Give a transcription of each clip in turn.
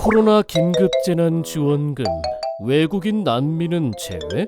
코로나 긴급재난지원금 외국인 난민은 제외?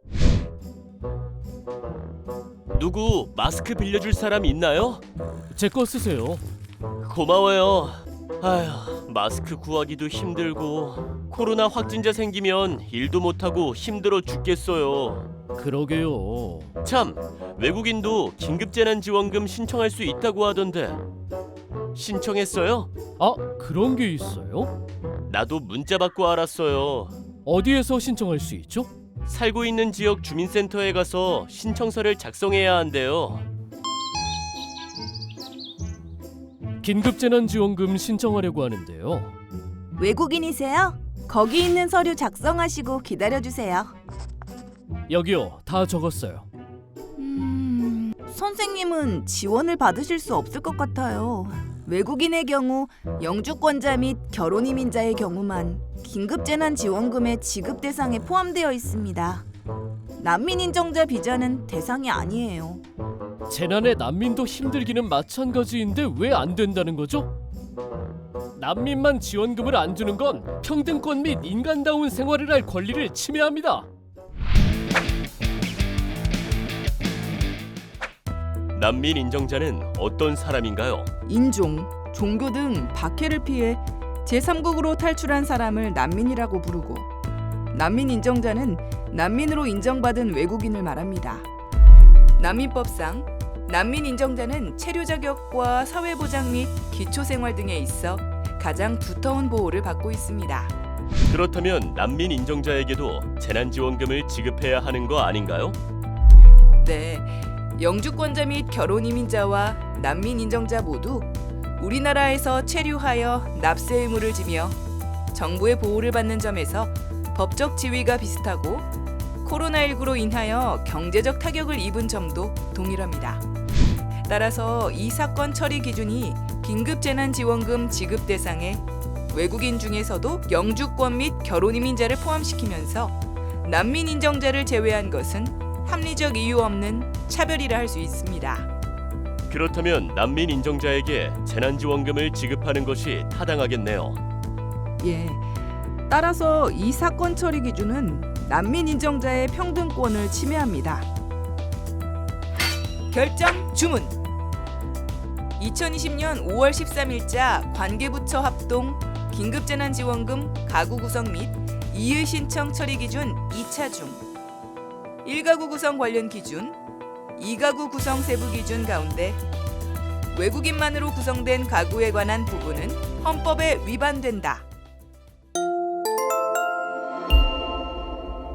누구 마스크 빌려줄 사람 있나요? 제 거 쓰세요. 고마워요. 아휴, 마스크 구하기도 힘들고 코로나 확진자 생기면 일도 못하고 힘들어 죽겠어요. 그러게요. 참, 외국인도 긴급재난지원금 신청할 수 있다고 하던데 신청했어요? 아, 그런 게 있어요? 나도 문자 받고 알았어요. 어디에서 신청할 수 있죠? 살고 있는 지역 주민센터에 가서 신청서를 작성해야 한대요. 긴급재난지원금 신청하려고 하는데요. 외국인이세요? 거기 있는 서류 작성하시고 기다려주세요. 여기요, 다 적었어요. 선생님은 지원을 받으실 수 없을 것 같아요. 외국인의 경우 영주권자 및 결혼 이민자의 경우만 긴급재난지원금의 지급 대상에 포함되어 있습니다. 난민 인정자 비자는 대상이 아니에요. 재난에 난민도 힘들기는 마찬가지인데 왜 안 된다는 거죠? 난민만 지원금을 안 주는 건 평등권 및 인간다운 생활을 할 권리를 침해합니다. 난민 인정자는 어떤 사람인가요? 인종, 종교 등 박해를 피해 제3국으로 탈출한 사람을 난민이라고 부르고 난민 인정자는 난민으로 인정받은 외국인을 말합니다. 난민법상 난민 인정자는 체류 자격과 사회보장 및 기초생활 등에 있어 가장 두터운 보호를 받고 있습니다. 그렇다면 난민 인정자에게도 재난지원금을 지급해야 하는 거 아닌가요? 네, 영주권자 및 결혼 이민자와 난민 인정자 모두 우리나라에서 체류하여 납세 의무를 지며 정부의 보호를 받는 점에서 법적 지위가 비슷하고 코로나19로 인하여 경제적 타격을 입은 점도 동일합니다. 따라서 이 사건 처리 기준이 긴급재난지원금 지급 대상에 외국인 중에서도 영주권 및 결혼 이민자를 포함시키면서 난민 인정자를 제외한 것은 합리적 이유 없는 차별이라 할 수 있습니다. 그렇다면 난민 인정자에게 재난지원금을 지급하는 것이 타당하겠네요. 예. 따라서 이 사건 처리 기준은 난민 인정자의 평등권을 침해합니다. 결정 주문. 2020년 5월 13일자 관계부처 합동 긴급재난지원금 가구 구성 및 이의 신청 처리 기준 2차 중 1가구 구성 관련 기준, 2가구 구성 세부 기준 가운데 외국인만으로 구성된 가구에 관한 부분은 헌법에 위반된다.